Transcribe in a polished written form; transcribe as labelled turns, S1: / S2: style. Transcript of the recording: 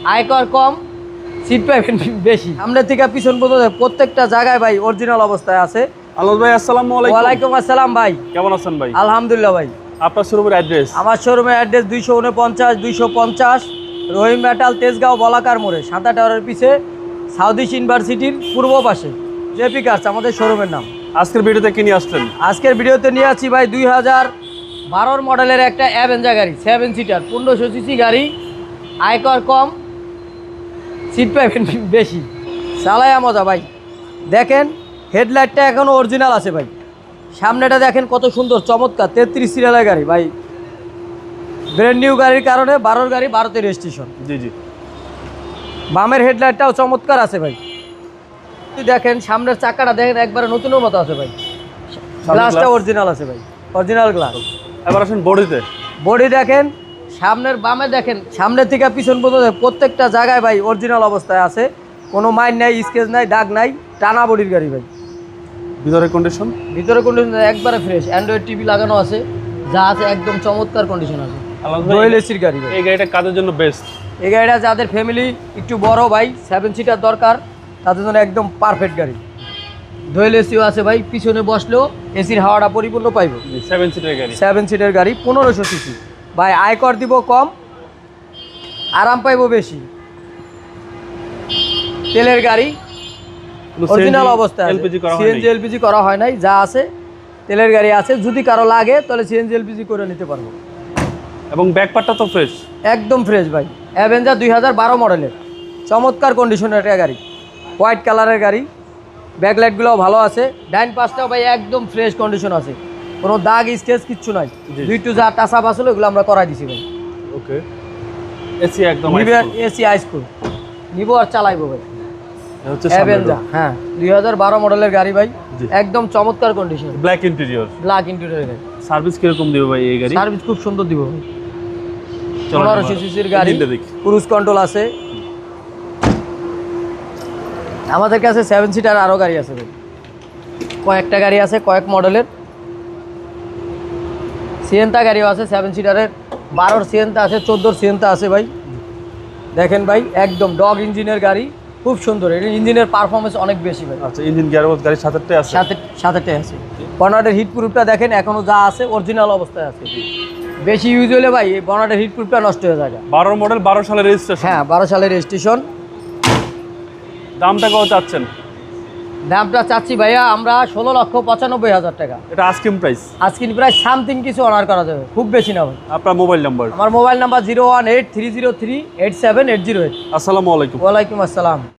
S1: আয়কর কম, সিট পাবেন বেশি। সামনে থেকে পিছন পর্যন্ত প্রত্যেকটা জায়গায় ভাই অরিজিনাল অবস্থায় আছে।
S2: আলম ভাই আসসালামু আলাইকুম।
S1: ওয়ালাইকুম আসসালাম ভাই,
S2: কেমন আছেন ভাই?
S1: আলহামদুলিল্লাহ ভাই।
S2: আপনার শোরুমের অ্যাড্রেস?
S1: আমার শোরুমের অ্যাড্রেস 249 রহিম মেটাল, তেজগাঁও বলাকার মোড়ে, সাঁতা টাওয়ারের পিছে, সাউথ ইস্ট ইউনিভার্সিটির পূর্ব পাশে, জেপি কার্স আমাদের শোরুমের নাম।
S2: আজকের ভিডিওতে কি নিয়ে আসছেন?
S1: আজকের ভিডিওতে নিয়ে আছি ভাই 2012 মডেলের একটা অ্যাভেঞ্জার গাড়ি, 7 সিটার, 1500 সিসি গাড়ি, আয়কর কম, সিট পাবেন বেশি, চালায়া মজা ভাই। দেখেন হেডলাইটটা এখনও অরিজিনাল আছে ভাই। সামনেটা দেখেন কত সুন্দর চমৎকার, 33 সিরিয়ালের গাড়ি ভাই। ব্র্যান্ড নিউ গাড়ির কারণে 12 গাড়ি 12তে রেজিস্ট্রেশন।
S2: জি জি।
S1: বামের হেডলাইটটাও চমৎকার আছে ভাই। দেখেন সামনের চাকাটা দেখেন একবারে নতুনের মতো আছে ভাই। গ্লাসটা অরিজিনাল আছে ভাই, অরিজিনাল গ্লাস।
S2: এবার আসেন বডিতে।
S1: বডি দেখেন, সামনের বামে দেখেন, সামনের থেকে পিছন পর্যন্ত প্রত্যেকটা জায়গায় ভাই অরিজিনাল অবস্থায় আছে। কোনো মাইন নাই, স্কেচ নাই, দাগ নাই, টানা বডির গাড়ি ভাই।
S2: ভিতরের কন্ডিশন?
S1: ভিতরে কন্ডিশন একবারে ফ্রেশ, অ্যান্ড্রয়েড টিভি লাগানো আছে, যা আছে একদম চমৎকার কন্ডিশন আছে। ডুয়েল এসির গাড়ি ভাই।
S2: এই গাড়িটা কাদের জন্য বেস্ট?
S1: এই গাড়িটা যাদের ফ্যামিলি একটু বড় ভাই, 7 সিটার দরকার, তাদের জন্য একদম পারফেক্ট গাড়ি। ডুয়েল এসিও আছে ভাই, পিছনে বসলেও এসির হাওয়াটা পরিপূর্ণ পাইব।
S2: 7 সিটের গাড়ি।
S1: 7 সিটের গাড়ি, 1500 সিসি ভাই। আয়কর দিব কম, আরাম পাইব বেশি। তেলের গাড়ি, অরিজিনাল অবস্থায়, সিএনজি এলপিজি করা হয় নাই, যা আছে তেলের গাড়ি আছে। যদি কারো লাগে তাহলে সিএনজি এলপিজি করে নিতে পারবো।
S2: এবং ব্যাকপার্টটা তো ফ্রেশ,
S1: একদম ফ্রেশ ভাই। অ্যাভেঞ্জার 2012 মডেলের চমৎকার কন্ডিশনের একটা গাড়ি, হোয়াইট কালারের গাড়ি। ব্যাকলাইটগুলোও ভালো আছে, ডাইন পাশটাও ভাই একদম ফ্রেশ কন্ডিশন আছে, কোনো দাগ স্কেচ কিচ্ছু নাই। দুইটু যা টাচআপ আসলে ওগুলো আমরা করাই দিছি ভাই।
S2: ওকে। এসি একদম
S1: এসি হাইস্কুল নিবো আর চালাইবো ভাই।
S2: হচ্ছে
S1: অ্যাভেঞ্জার, হ্যাঁ 2012 মডেলের গাড়ি ভাই, একদম চমৎকার condition,
S2: black interior.
S1: Black interior গাড়ি।
S2: সার্ভিস কিরকম দিবে ভাই এই গাড়ি?
S1: সার্ভিস খুব সুন্দর দিব ভাই। 1500 সিসির গাড়ি, ক্রুজ কন্ট্রোল আছে। আমাদের কাছে 7 সিটার আরও গাড়ি আছে ভাই, কয়েকটা গাড়ি আছে, কয়েক মডেলের। সিয়েন্তা গাড়িও আছে 7 সিটারের, 12 সিয়েন্তা আছে, 14 সিয়েন্তা আছে ভাই। দেখেন ভাই একদম ডগ ইঞ্জিনের গাড়ি, খুব সুন্দর। এর ইঞ্জিনের পারফরমেন্স অনেক বেশি ভাই।
S2: আচ্ছা, ইঞ্জিন গিয়ারবক্স গাড়ির সাথেটাই আছে?
S1: সাথেটাই আছে। বনাটের হিট প্রুফটা দেখেন এখনো যা আছে অরিজিনাল অবস্থায় আছে। বেশি ইউজ হলে ভাই এই বনাটের হিট প্রুফটা নষ্ট হয়ে যায়।
S2: 12 মডেল, 12 সালের রেজিস্ট্রেশন?
S1: হ্যাঁ 12 সালের রেজিস্ট্রেশন।
S2: দামটা কত চাচ্ছেন?
S1: দামটা চাচ্ছি ভাইয়া আমরা 16,95,000 টাকা।
S2: এটা আস্কিং প্রাইস?
S1: আজকিন প্রাইস সামথিং কিছু অনার করা যাবে, খুব বেশি না ভাই।
S2: আপনার মোবাইল নাম্বার?
S1: আমার মোবাইল নাম্বার 01830387808।
S2: আসসালামু আলাইকুম।
S1: ওয়ালাইকুম আসসালাম।